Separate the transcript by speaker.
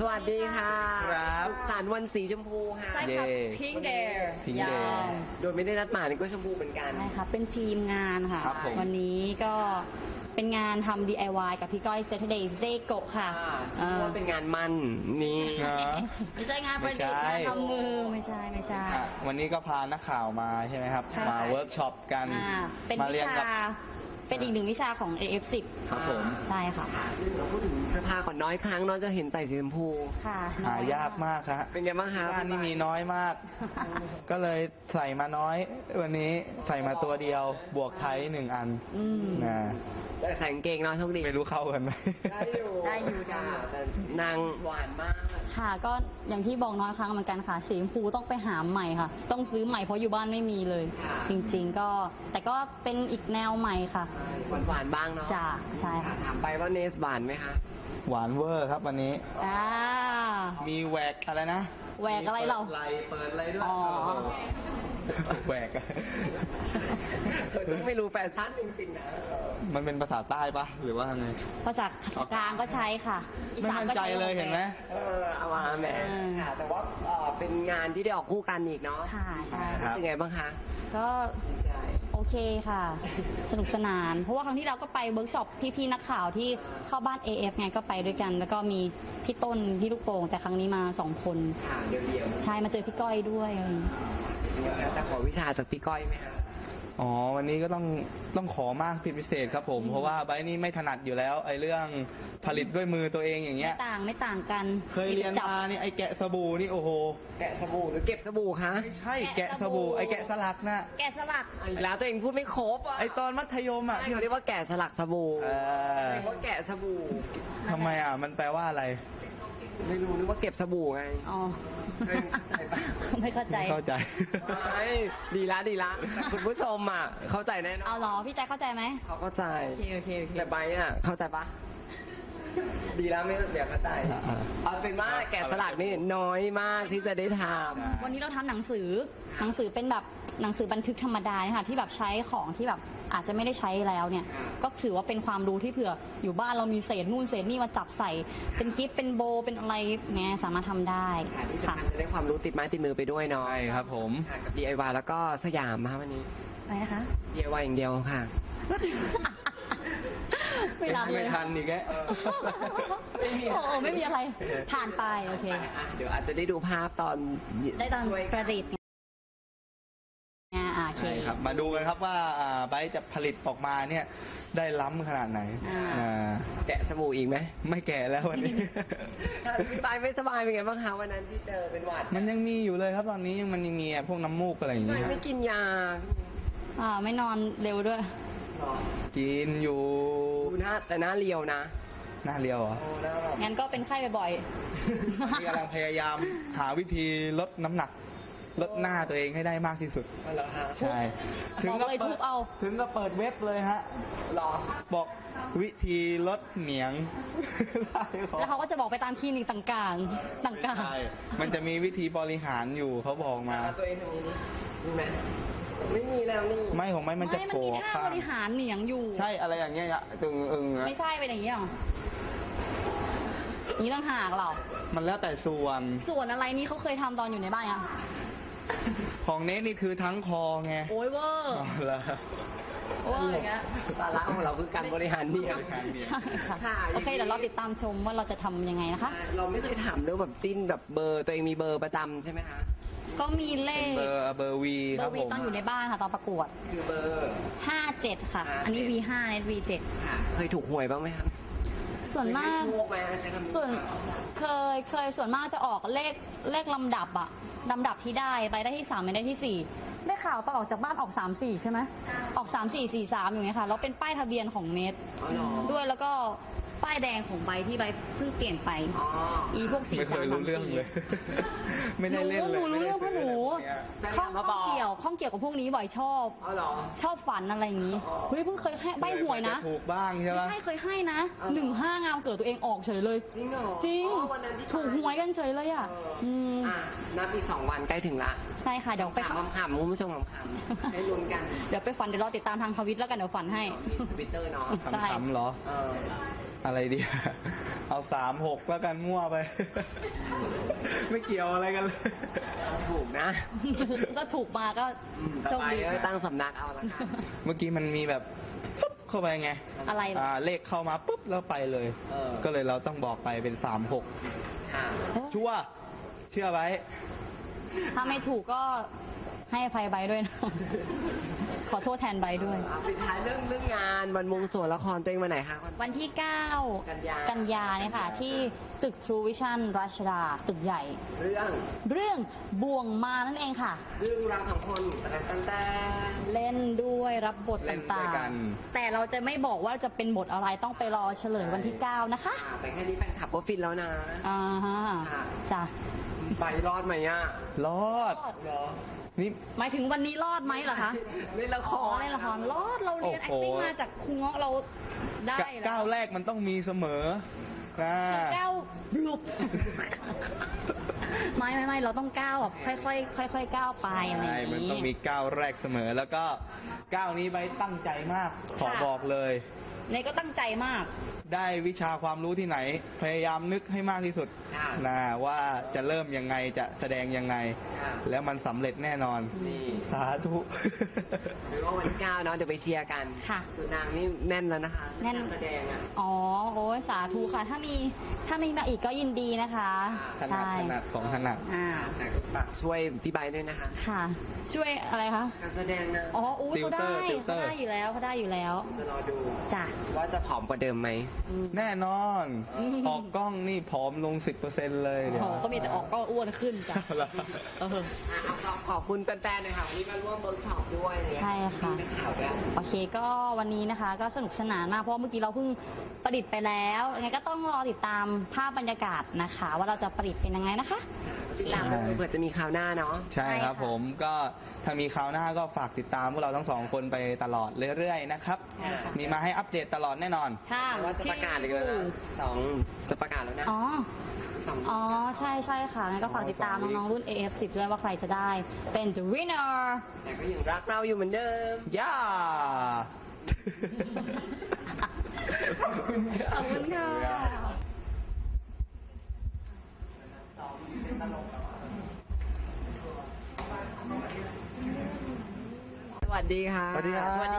Speaker 1: วัสดีค่ะ
Speaker 2: ครับ
Speaker 1: สุขสันต์วันสีชมพูค่ะ
Speaker 3: ใช่ค่ะ Pink Day ยาว
Speaker 1: โดยไม่ได้นัดหมายนี่ก็ชมพูเหมือนกัน
Speaker 3: ใช่ค่ะเป็นทีมงานค่ะ
Speaker 2: ครับผม
Speaker 3: วันนี้ก็เป็นงานทำ DIY กับพี่ก้อย Saturday Zeko ค่ะ
Speaker 1: ชื่อว่าเป็นงานมั่นนี่
Speaker 2: นะ
Speaker 3: ไม่ใช่งานประดิษฐ์
Speaker 2: ไม่ใช่
Speaker 3: งานทำมือไม่ใช่
Speaker 2: อ่ะวันนี้ก็พานักข่าวมาใช่ไหมครับ
Speaker 3: ใช่
Speaker 2: มาเวิร์กช็อปกัน
Speaker 3: เป็น
Speaker 2: มา
Speaker 3: วิ
Speaker 2: เรียน
Speaker 3: ชา
Speaker 2: กับ
Speaker 3: เป็นอีกหนึ่งวิชาของ AF10
Speaker 2: ครับผม
Speaker 3: ใช่ค่ะ
Speaker 1: ซึ่งเราพูดถึงเสื้อผ้าก่อนน้อยครั้งน้อยจะเห็นใส่สีชมพู
Speaker 3: ค่ะ
Speaker 2: หายากมากครับ
Speaker 1: เป็นไงบ้างคะ
Speaker 2: บ้านนี่มีน้อยมาก ก็เลยใส่มาน้อย วันนี้ใส่มาตัวเดียวบวกไทย1 อัน
Speaker 3: อืม
Speaker 2: นะ
Speaker 1: แต่ใส่กางเกงเนาะโชคดี
Speaker 2: ไม่รู้เข้ากันไหม
Speaker 1: ได้อยู่
Speaker 3: ได้อยู่
Speaker 1: ค่ะแต่นางหวานมาก
Speaker 3: ค่ะก็อย่างที่บอกน้อยครั้งเหมือนกันค่ะสีชมพูต้องไปหาใหม่ค่ะ ต้องซื้อใหม่เพราะอยู่บ้านไม่มีเลย จริงๆก็แต่ก็เป็นอีกแนวใหม่ค่ะ
Speaker 1: หวานบ้างเนาะ
Speaker 3: จ้าใช่ค่ะ
Speaker 1: ถามไปว่าเนสหวานไหมคะ
Speaker 2: หวานเวอร์ครับวันนี้
Speaker 3: อ่า
Speaker 2: มีแหวกอะไรนะ
Speaker 3: แหวกอะไรเรา
Speaker 2: เปิดอะไรด้วย
Speaker 3: อ๋อ
Speaker 2: แหวก
Speaker 1: ซึ่งไม่รู้แฟชั่นจริงๆนะ
Speaker 2: มันเป็นภาษาใต้ปะหรือว่าไง
Speaker 3: ภาษากลางก็ใช้ค่ะ อี
Speaker 2: ไม่
Speaker 3: สาน
Speaker 2: มั่น
Speaker 3: ก็
Speaker 2: ใจ
Speaker 3: ใช้
Speaker 2: เลยเห็นไหม
Speaker 1: เอามาแหมค่ะแต่ว่าเป็นงานที่ได้ออกคู่กันอีกเนาะ
Speaker 3: ค่ะใช่
Speaker 2: ครั
Speaker 1: รู้
Speaker 2: บ
Speaker 1: สึกไงบ้างคะ
Speaker 3: ก็
Speaker 1: ดีใจ
Speaker 3: โอเคค่ะ สนุกสนาน เพราะว่าครั้งที่เราก็ไปเวิร์กช็อปพี่ๆนักข่าวที่เข้าบ้าน AF ไงก็ไปด้วยกัน แล้วก็มีพี่ต้นพี่ลูกโป่งแต่ครั้งนี้มา2 คน
Speaker 1: ค่ะเดียว
Speaker 3: ใช่มาเจอพี่ก้อยด้วยอะไรอย่างเงี้ย
Speaker 1: ๆจะขอวิชาจากพี่ก้อยไหมคะ
Speaker 2: อ๋อวันนี้ก็ต้องขอมากเป็นพิเศษครับผม เพราะว่าไบร์ทนี่ไม่ถนัดอยู่แล้วไอ้เรื่องผลิตด้วยมือตัวเองอย่างเงี้ย
Speaker 3: ไม่ต่างกัน
Speaker 2: เคยเรียน
Speaker 3: จับ
Speaker 2: มานี่ไอ้แกะสบู่นี่โอ้โห
Speaker 1: แกะสบู่หรือเก็บสบู่คะ
Speaker 2: ไม่ใช่
Speaker 3: แกะ
Speaker 2: แกะ
Speaker 3: ส
Speaker 2: ส
Speaker 3: บู่
Speaker 2: บู่ไอ้แกะสลักนะ
Speaker 3: แกะสลัก
Speaker 1: อีกแล้วตัวเองพูดไม่ครบอ่ะ
Speaker 2: ไอ้ตอนมัธยมอ่ะ
Speaker 1: ใช่เขาเรียกว่าแกะสลักสบู่
Speaker 2: เออ
Speaker 1: เรียกว่าแกะสบู่
Speaker 2: ทำไมอ่ะมันแปลว่าอะไร
Speaker 1: ไม่รู้นึกว่าเก็บสบู่ไง
Speaker 3: อ๋อ
Speaker 1: ไม่เข้าใจปะ
Speaker 3: ไม่เข้าใจ
Speaker 2: เข้าใจ
Speaker 1: ไม่ดีละคุณผู้ชมอ่ะเข้าใจแน่นอ
Speaker 3: เอา
Speaker 1: น
Speaker 3: เหรอ พี่ใจเข้าใจไหม
Speaker 1: เขาเข้าใจ
Speaker 3: โอเคโอเคโอเค
Speaker 1: แต่ใบอ่ะเข้าใจปะดีแล้วไม่เดี๋ยวเข้าใจเอาเป็นว่าแกะสลักนี่น้อยมากที่จะได้ทำ
Speaker 3: วันนี้เราทำหนังสือเป็นแบบหนังสือบันทึกธรรมดาค่ะที่แบบใช้ของที่แบบอาจจะไม่ได้ใช้แล้วเนี่ย ก็ถือว่าเป็นความรู้ที่เผื่ออยู่บ้านเรามีเศษนู่นเศษนี่มาจับใส่ เป็นกิฟต์เป็นโบเป็นอะไรเนี่ยสามารถทำได้
Speaker 1: ค่ะที่
Speaker 3: ค่ะ
Speaker 1: สำคัญจะได้ความรู้ติดไม้ติดมือไปด้วยเนาะ
Speaker 2: ใช่ครับผม
Speaker 1: ค่ะกับ DIY แล้วก็สยามค่ะวันนี้
Speaker 3: อะไรนะคะ
Speaker 1: DIY อย่างเดียวค่ะ
Speaker 3: ไม่รับเลย
Speaker 2: ไม่ทันอีกแก
Speaker 3: โอ้โหไม่มีอะไรผ่านไปโอเค
Speaker 1: เดี๋ยวอาจจะได้ดูภาพตอน
Speaker 3: ได้ตอน
Speaker 1: ช่วย
Speaker 3: ประดิษฐ์โอเค
Speaker 2: ใช่ครับ มาดูกันครับว่าไบร์ทจะผลิตออกมาเนี่ยได้ล้ำขนาดไหน
Speaker 3: อ่า
Speaker 1: แกะสบู่อีกไหม
Speaker 2: ไม่แก่แล้ววันนี้
Speaker 1: พี่บายไม่สบายเป็นไงบ้างคะวันนั้นที่เจอเป็นหวัด
Speaker 2: มันยังมีอยู่เลยครับตอนนี้ยังมันยังมีพวกน้ำมูกอะไรอย่าง
Speaker 1: ทำ
Speaker 2: เงี้ย
Speaker 1: ไมไม่กินยา
Speaker 3: ไม่นอนเร็วด้วย
Speaker 1: หรอ
Speaker 2: กินอยู่
Speaker 1: ดูหน้าแต่หน้าเรียวนะ
Speaker 2: หน้าเรียวเหรอ
Speaker 1: โอ้หน้าแบบ
Speaker 3: งั้นก็เป็นไข้บ่อย
Speaker 2: ที่กำลังพยายามหาวิธีลดน้ำหนัก ลดหน้าตัวเองให้ได้มากที่สุด
Speaker 1: เหรอฮะ
Speaker 2: ใช่
Speaker 3: บอกเลยทุบเอา
Speaker 2: ถึงก็เปิดเว็บเลยฮะ
Speaker 1: หรอ
Speaker 2: บอกวิธีลดเหนียง
Speaker 3: ๆ แล้วเขาก็จะบอกไปตามคลินิกต่างๆ ต่าง
Speaker 2: ใช่มันจะมีวิธีบริหารอยู่เขาบอกมา
Speaker 1: ตัวเองทำนี้มีไหมไม่มีแล้วนี่
Speaker 2: ไม่ของไม่
Speaker 3: ๆ
Speaker 2: มันจะ
Speaker 3: ไม่มัน
Speaker 2: โผล่
Speaker 3: มีท่า
Speaker 2: ข้า
Speaker 3: บ
Speaker 2: ง
Speaker 3: ริหารเหนียงอยู่
Speaker 2: ใช่อะไรอย่างเงี้ยอะตึงอึงอะ
Speaker 3: ไม่ใช่เป็นอย่างนี้หรออย่างนี้ต่างหากเหรอ
Speaker 2: มันแล้วแต่ส่วน
Speaker 3: ส่วนอะไรนี่เขาเคยทำตอนอยู่ในบ้านยัง
Speaker 2: ของเนสนี่คือทั้งคอไง
Speaker 3: โอ้ยเวอร์
Speaker 2: อ๋อเหรอ
Speaker 3: เวอร์อย่างเงี้ย
Speaker 1: สาระของเราคือการบริหารเนี่ย
Speaker 3: ใช่ค่ะ
Speaker 1: ค่ะ
Speaker 3: โอเคเดี๋ยวเราติดตามชมว่าเราจะทำยังไงนะคะ
Speaker 1: เราไม่เคยถามเรื่องแบบจิ้นแบบเบอร์ตัวเองมีเบอร์ประจำใช่ไหมคะ
Speaker 3: ก็มีเลข
Speaker 2: เบอร์วี
Speaker 3: เบ
Speaker 2: ค
Speaker 3: อ
Speaker 2: รับ
Speaker 3: ร์วี
Speaker 2: ผม
Speaker 3: ตอนอยู่ในบ้านค่ะตอนประกวด
Speaker 1: คือเบอร์
Speaker 3: 57 ค่ะ อันนี้ V5 เน็ต V7
Speaker 1: ค่ะเคยถูกหวยบ้างไหมครับ
Speaker 3: ส่วนมาก
Speaker 1: เคยได้โชคไหมใช้คำนี้
Speaker 3: ส่วนเคยส่วนมากจะออกเลขลำดับอะลำดับที่ได้ไปได้ที่3ไม่ได้ที่ 4 ได้ข่าวตอนออกจากบ้านออก 3-4 ใช่ไหมออก 3-4-4-3 อย่างเงี้ยค่ะแล้วเป็นป้ายทะเบียนของเน็ต
Speaker 1: อ๋อเหรอ
Speaker 3: ด้วยแล้วก็ป้ายแดงของใบที่ใบเพิ่งเปลี่ยนไป
Speaker 1: อ๋อ
Speaker 3: อีพวก4
Speaker 2: ไม่เคยรู้เรื่องเลย ไม่ได้เล่นเลย
Speaker 3: หนูรู้เรื่องเพราะหนู
Speaker 1: แฟนค
Speaker 3: ข้
Speaker 1: ลั
Speaker 3: อบ ง
Speaker 1: มาบอก
Speaker 3: เกี่ยวกับพวกนี้บ่อยชอบ
Speaker 1: อ๋อเหรอ
Speaker 3: ชอบฝันอะไรอย่างนี้ เฮ้ยเพิ่งเคยให้ใบหวยนะ
Speaker 2: จถูกบ้างใช่
Speaker 3: ไม่
Speaker 2: ปะ
Speaker 3: ใช่เคยให้นะ
Speaker 1: อ๋อเหรอ
Speaker 3: 15 งามเกิดตัวเองออกเฉยเลย
Speaker 1: จริงเหรอ
Speaker 3: จริง
Speaker 1: อ๋อวันนั้นที่
Speaker 3: ถูกหวยกันเฉยเลยอ่ะ ม
Speaker 1: นับอีก2 วันใกล้ถึงละ
Speaker 3: ใช่ค่ะเดี๋ยวไป
Speaker 1: ขำๆคุณผู้ชมขำๆให้ลุ้นกัน
Speaker 3: เดี๋ยวไปฝันเดี๋ยวรอติดตามทางทวิตแล้วกันเดี๋ยวฝันให้
Speaker 1: ทวิตเตอร์เนาะ
Speaker 3: ใช่
Speaker 2: ขำๆเหรอ
Speaker 1: เออ
Speaker 2: อะไรดี เอา36แล้วกันมั่วไป ไม่เกี่ยวอะไรกันเลย
Speaker 1: ถูกนะ
Speaker 3: ก็ถูกมาก็โช
Speaker 1: ต่อ
Speaker 3: ค
Speaker 1: ไป
Speaker 3: ดี
Speaker 1: ก็ตั้งสำนักเอาละกัน
Speaker 2: เมื่อกี้มันมีแบบฟุ๊บเข้าไปไง
Speaker 3: อะไรเหรอ
Speaker 2: เลขเข้ามาปุ๊บแล้วไปเลย
Speaker 1: เออ
Speaker 2: ก็เลยเราต้องบอกไปเป็น36
Speaker 1: ค่ะ
Speaker 2: ชัวร์เชื่อไว้
Speaker 3: ถ้าไม่ถูกก็ให้อภัยใบด้วยนะ ขอโทษแทนใบด้วย
Speaker 1: เอาปิดท้ายเรื่องงานวันวงสวนละครตัวเองวันไหนคะ
Speaker 3: วันที่ 9
Speaker 1: กันยา
Speaker 3: เนี่ยค่ะ ที่ตึก True Vision รัชดา ตึกใหญ่
Speaker 1: เรื่อง
Speaker 3: บ่วงมานั่นเองค่ะ
Speaker 1: ซึ่งเราสองคนแต่
Speaker 3: เล่นด้วยรับบท
Speaker 2: เล่นด้
Speaker 3: ต่า
Speaker 2: วยกั
Speaker 3: ง
Speaker 2: น
Speaker 3: ๆ แต่เราจะไม่บอกว่าจะเป็นบทอะไรต้องไปรอเฉลยวันที่ 9 นะคะ
Speaker 1: แต่แค่นี้แฟนคลับก็ฟินแล้วนะ
Speaker 3: อ่าฮะ
Speaker 1: ค่ะ
Speaker 3: จ้ะ
Speaker 1: ไปรอดไหมอ่ะ
Speaker 2: รอด
Speaker 1: เหรอ
Speaker 2: นี่
Speaker 3: หมายถึงวันนี้รอดไหมเหรอคะ
Speaker 1: เล่นละค
Speaker 3: อ๋อ
Speaker 1: ร
Speaker 3: เล่นละครรอดเราเรียน
Speaker 2: โอ้โห
Speaker 3: acting มาจากครูเงาะเราได้แล้ว
Speaker 2: ก้าวแรกมันต้องมีเสมอนะ
Speaker 3: ก้าวลุก ไม่เราต้องก้าวแบบค่อยๆก้าวไปอะไรอ
Speaker 2: ใช่
Speaker 3: ย่าง
Speaker 2: มัน
Speaker 3: นี้
Speaker 2: ต้องมีก้าวแรกเสมอ แล้วก็ก้าวนี้ไปตั้งใจมาก ขอ
Speaker 3: ค่ะ
Speaker 2: บอกเลย
Speaker 3: เนยก็ตั้งใจมาก
Speaker 2: ได้วิชาความรู้ที่ไหน พยายามนึกให้มากที่สุด
Speaker 1: ค่ะ
Speaker 2: นะว่าจะเริ่มยังไงจะแสดงยังไง
Speaker 1: ค่ะ
Speaker 2: แล้วมันสำเร็จแน่นอน
Speaker 1: นี่
Speaker 2: สาธุ
Speaker 1: หรือว่าวันที่9เนาะเดี๋ยวไปเชียร์กัน
Speaker 3: ค่ะ
Speaker 1: สุนางนี่แน่นแล้วนะคะ
Speaker 3: แน่น
Speaker 1: การแสดงอ่ะ
Speaker 3: อ๋อโอ้ยสาธุค่ะ ถ้ามีมาอีกก็ยินดีนะคะ
Speaker 2: ถนัด
Speaker 3: ใช่
Speaker 2: ถนัดของถนัด
Speaker 3: อ่า
Speaker 1: แต่ก็ฝากช่วยพี่ใบร์ทด้วยนะคะ
Speaker 3: ค่ะ ช่วยอะไรคะ
Speaker 1: การแสดงนะ
Speaker 3: อ๋ออู้เขาได้
Speaker 2: ติวเตอ
Speaker 3: เขา
Speaker 2: ร์
Speaker 3: ได้อยู่แล้วเขาได้อยู่แล้ว
Speaker 1: จะรอดู
Speaker 3: จ้ะ
Speaker 1: ว่าจะผอมกว่าเดิมไหม
Speaker 2: แน่นอน
Speaker 3: อืม
Speaker 2: ออกกล้องนี่ผอมลง 10%เลยเดี๋ยว
Speaker 3: โอ้ก็มีแต่ออกก็อ้วนขึ้นจ้ะเออ
Speaker 1: เอาขอบคุณแฟนๆหน่อยค่ะวันนี้มาร่วมเวิร์กช็อปด้วยอะไรเงี้ย
Speaker 3: ใช่ค่ะ
Speaker 1: มีนักข่าวด้วย
Speaker 3: โอเคก็วันนี้นะคะก็สนุกสนานมากเพราะว่าเมื่อกี้เราเพิ่งประดิษฐ์ไปแล้วยังไงก็ต้องรอติดตามภาพบรรยากาศนะคะ ว่าเราจะประดิษฐ์เป็นยังไงนะคะ
Speaker 1: ติดตามดูเผื่อจะมีคราวหน้าเนาะ
Speaker 2: ใช่ครับ
Speaker 3: ใช่ค่ะ
Speaker 2: ผมก็ถ้ามีคราวหน้าก็ฝากติดตามพวกเราทั้งสองคนไปตลอดเรื่อยๆนะครับ
Speaker 3: ใช่ค่ะ
Speaker 2: มีมาให้อัปเดตตลอดแน่นอน
Speaker 3: ค่ะ
Speaker 1: ว่าจะประกาศอีกแล้วนะจะประกาศแล้วนะ
Speaker 3: อ๋อ
Speaker 1: สอง
Speaker 3: อ๋อ ใช่ค่ะงั้นก็ฝากติดตามน้องๆรุ่น AF10 ด้วยว่าใครจะได้เป็น the winner
Speaker 1: แต่ก็ยังรักเราอยู่เหมือนเดิม
Speaker 2: ย่า
Speaker 3: ขอบคุณค่ะ
Speaker 1: สวัสดีค่ะ
Speaker 2: สวัสดีครับ